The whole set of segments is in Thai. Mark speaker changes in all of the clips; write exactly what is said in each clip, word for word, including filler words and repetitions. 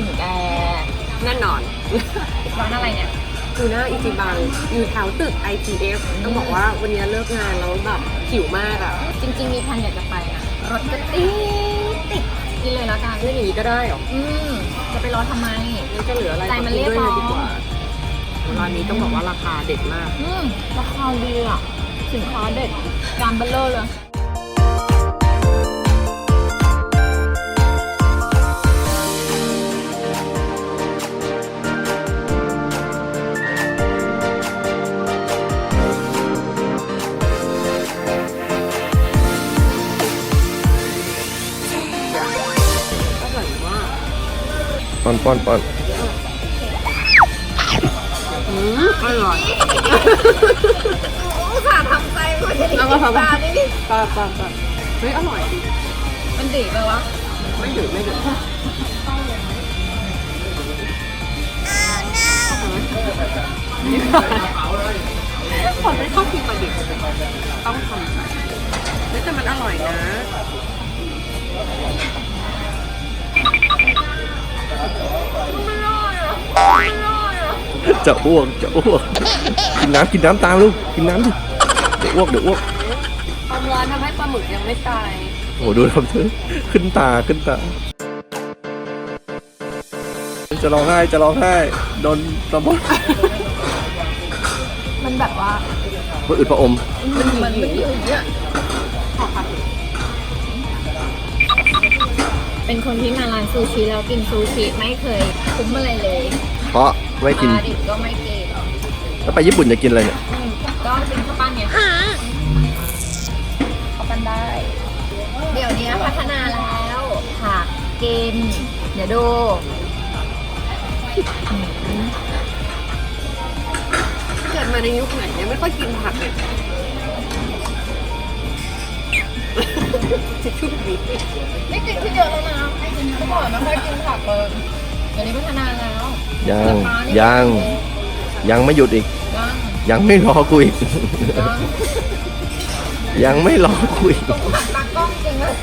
Speaker 1: นแก
Speaker 2: แน่นอน
Speaker 1: ร้านอะไรเนี่ย
Speaker 2: คือหน้าอิจิบังอยู่แถวตึก ไอ ที เอฟ ต้องบอกว่าวันนี้เลิกงานแล้วแบบหิวมากอ่ะ
Speaker 1: จริงๆมีแผนอยากจะไปนะรถก็ติดติดกินเลยละกัน
Speaker 2: เรื่องอย่างนี้ก็ได้หรอ
Speaker 1: อืมจะไปรอทำไม
Speaker 2: นี่จะเหลืออะไร
Speaker 1: ใจมันเรียกร้อง
Speaker 2: ดีกว่าร้านนี้ต้องบอกว่าราคาเด็ดมาก
Speaker 1: อืมราคาดีอ่ะสินค้าเด็ดจานเบลเลอร์เลย
Speaker 3: ป้อนป้อนป้อน
Speaker 2: อืมอร่อย
Speaker 1: อุตส่าห์ทำใจมาจะดีตานี่นี่
Speaker 2: ปลาปลาปลาเฮ้ยอร่อยดิ
Speaker 1: มันดีไปวะ
Speaker 2: ไม่ดื้อไม่ดื้อผมไม่ชอบกินปลาดิบต้องทำใจแต่มันอร่อยนะ
Speaker 3: จะอ้วกจะอ้วกกินน้ำกินน้ำตามลูกกินน้ำดิเดี๋ยวอ้วกเดี๋ยวอ้วก
Speaker 2: ความร้อนทำให้ปลาหมึกยังไม่ตาย
Speaker 3: โอ้ดูทำเธอขึ้นตาขึ้นตาจะร้องไห้จะร้องไห้โดนตะบด
Speaker 1: มันแบบว่า
Speaker 3: มันอึดพระอม
Speaker 1: มันมันไม่อยู่อย่างเงี้ยเป็นคนที่มาร้านซูชิแล้วกินซูชิไม่เคยคุ้มอะไรเลย
Speaker 3: เพราะไม่กิน
Speaker 1: ปลาดิบก็ไม่กิน
Speaker 3: แล้วไปญี่ปุ่นจะกินอะไรเนี่ย
Speaker 1: ก็เป็นข้าวปั้นเนี่ยข้าวปั้นได้เดี๋ยวนี้พัฒนาแล้วผักกินเดี๋ยวดู
Speaker 2: เกิดมาในยุคไหนเนี่ยไม่ค่อยกินผักเลยจะชุบดี
Speaker 1: ไม่กินที่เยอะแล้วนะเมื่อก่อนไม่ค่อยกินผักเลยเดี๋ยวนี้พัฒนาแล้ว
Speaker 3: ยังยังยังไม่หยุดอีกยังไม่รอกูอีกยังไม่รอกูอีก
Speaker 1: ตากล้องจริงเลย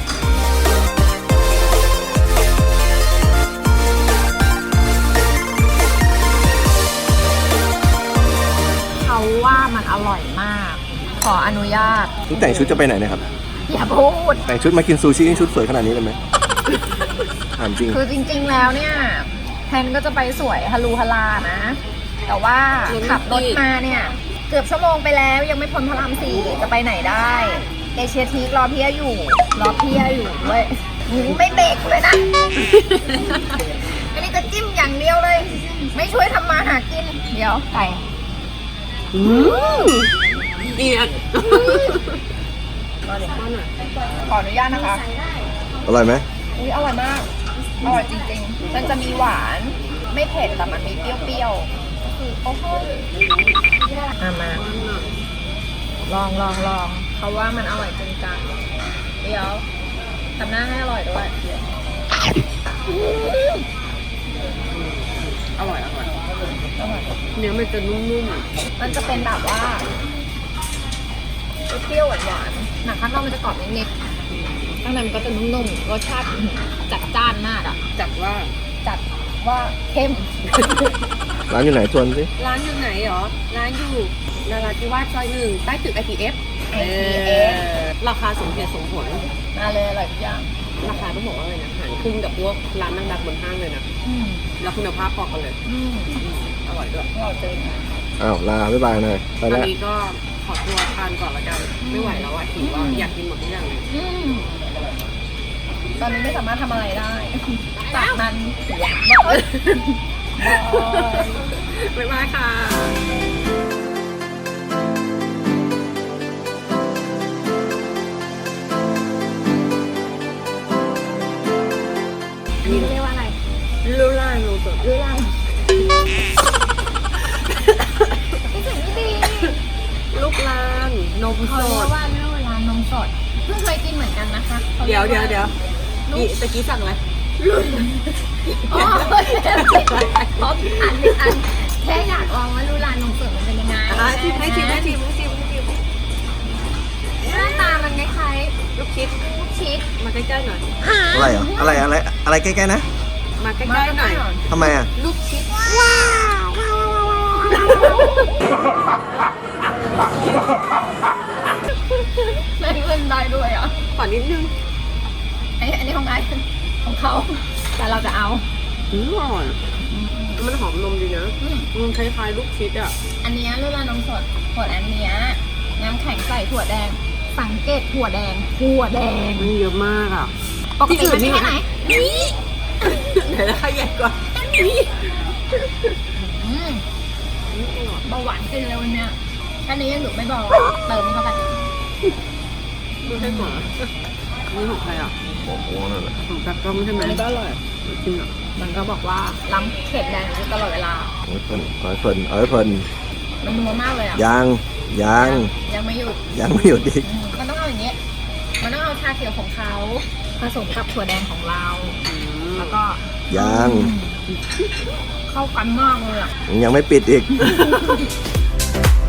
Speaker 1: เขาว่ามันอร่อยมากขออนุญาต
Speaker 3: นี่แต่งชุดจะไปไหนนะครับ
Speaker 1: อย่าพูด
Speaker 3: แต่งชุดมากินซูชิชุดสวยขนาดนี้เลยไหมถามจริง
Speaker 1: คือจริงๆแล้วเนี่ยแพนก็จะไปสวยฮารูฮารานะแต่ว่าขับรถมาเนี่ยเกือบชั่วโมงไปแล้วยังไม่พ้นพระรามสี่จะไปไหนได้เอเชียทีกรอเพียอยู่รอเพียอยู่ด้วยไม่เบรกเลยนะอันนี้จะจิ้มอย่างเดียวเลยไม่ช่วยทำมาหากินเดี๋ยวไก่
Speaker 2: เอียด
Speaker 1: ขออนุญาตนะคะ
Speaker 3: อร่อยไหม
Speaker 1: อุ้ยอร่อยมากอร่อยจริงๆมันจะมีหวานไม่เผ็ดแต่มันมีเปรี้ยวๆก็คือโอ้โหมามาลองลองลองเขาว่ามันอร่อยจริงจังเดี๋ยวทำหน้าให้อร่อยด้วย
Speaker 2: อร่อยอร่อยเนื้อมันจะนุ่ม
Speaker 1: ๆมันจะเป็นแบบว่าเปรี้ยวหวานๆหนังข้างนอกมันจะกรอบนิดๆข้างในมันก็จะนุ่มๆรสชาติจัดจ้านมากอ่ะ
Speaker 2: จัดว่า
Speaker 1: จัดว่าเข้ม
Speaker 3: ร้านอยู่ไหนชวนสิ
Speaker 2: ร้านอยู่ไหนหรอร้านอยู่นราธิวาสซอยหนึ่งใต้ตึก ไอ ที เอฟ
Speaker 1: ไอ ที เอฟ
Speaker 2: ราคาสมเหตุสมผล
Speaker 1: มาเลยอร่อยทุกอย่าง
Speaker 2: ราคาต้องบอกว่าอะไรนะหารครึ่งกับพวกร้านดังๆบนห้างเลยนะแล้วคุณภาพพอกันเลยอร่อยด้วย
Speaker 1: อร่อยจริง
Speaker 3: อ้าวลาบ๊ายบายหน่อย
Speaker 2: ตอนนี้ก็ขอตัวทานก่อนละกันไม่ไหวแล้วอ่ะหิวว่าอยากกินหมดทุกอย่างเลย
Speaker 1: ตอนนี้ไม่สามารถทำอะไรได้จากนั้น
Speaker 2: บ๊ายบายค่ะ
Speaker 1: อันนี้เรียกว่าอะไร
Speaker 2: ลูล่าลูสด
Speaker 1: ลูล่าไม่ถึงไม่ดี
Speaker 2: ลูกลานนมสด
Speaker 1: เขาเรียกว่าลูลานนมสดเพิ่งเคยกินเหมือนกันนะคะ
Speaker 2: เดี๋ยวเดี๋ยวเดี๋ยวตะกี้สั่งอะไร
Speaker 1: อ๋อเพราะอันหนึ่งอันแค่อยากลองว่าลูลานนมสดมันเป็นยังไง
Speaker 2: ให้ชิมให้ชิมให้ชิมให้ชิมให้ชิม
Speaker 1: หน้าตามันคล้าย
Speaker 2: ลูกชิด
Speaker 1: ลูกชิด
Speaker 2: มาใกล้ๆหน่อย
Speaker 3: อะไรเหรออะไรอะไรอะไรใกล้ๆนะ
Speaker 2: มาใกล้ๆหน่อย
Speaker 3: ทำไมอ่ะ
Speaker 2: ลูกชิด
Speaker 1: แม่งเล่นได้ด้วยอ่ะ
Speaker 2: ขอนิดนึง
Speaker 1: ไอ้อันนี้ของไอ้ของเขาแต่เราจะเอา
Speaker 2: อืมอร่อยมันหอมนมดีนะ
Speaker 1: อืม
Speaker 2: มันคล้ายๆลูกชิดอ่ะ
Speaker 1: อันเนี้ยลูกลานมสดถั่วอันเนี้ยน้ำแข็งใส่ถั่วแดง สังเกตถั่วแดงถั่วแดง
Speaker 2: มันเยอะมากอ่ะ
Speaker 1: ปกติมันแค่ไหนนี่
Speaker 2: ไหนราคาใหญ่กว่า
Speaker 1: อืมเบาหวานขึ้นเลยวันเนี้ยแค่นี้ยังอยู่ไม่เบาเติมเข้าไป
Speaker 2: ไม่ใช่หมานี่ของใครอ่ะ
Speaker 3: โอ้โหนั่นแหละ
Speaker 2: ของจักรก้องใช่ไหม
Speaker 1: อันนี้ก็อร่อย
Speaker 2: กินอ่ะ
Speaker 1: มันก็บอกว่าล้ำเข็ดแดงอยู่ตลอดเวลา
Speaker 3: เอาให้เพลินเอาให้เพลินเอาให้เพลิน
Speaker 1: มันนัวมากเลยอ่ะ
Speaker 3: ยังยัง
Speaker 1: ยังไม่หยุด
Speaker 3: ยังไม่หยุดอีก
Speaker 1: อืมมันต้องเอาอย่างเงี้ยมันต้องเอาชาเขียวของเขาผสมกับถั่วแดงของเรา
Speaker 2: อืม
Speaker 1: แล้วก็
Speaker 3: ยัง
Speaker 1: เข้ากันมากเลยอ่ะ
Speaker 3: ยังไม่ปิดอีก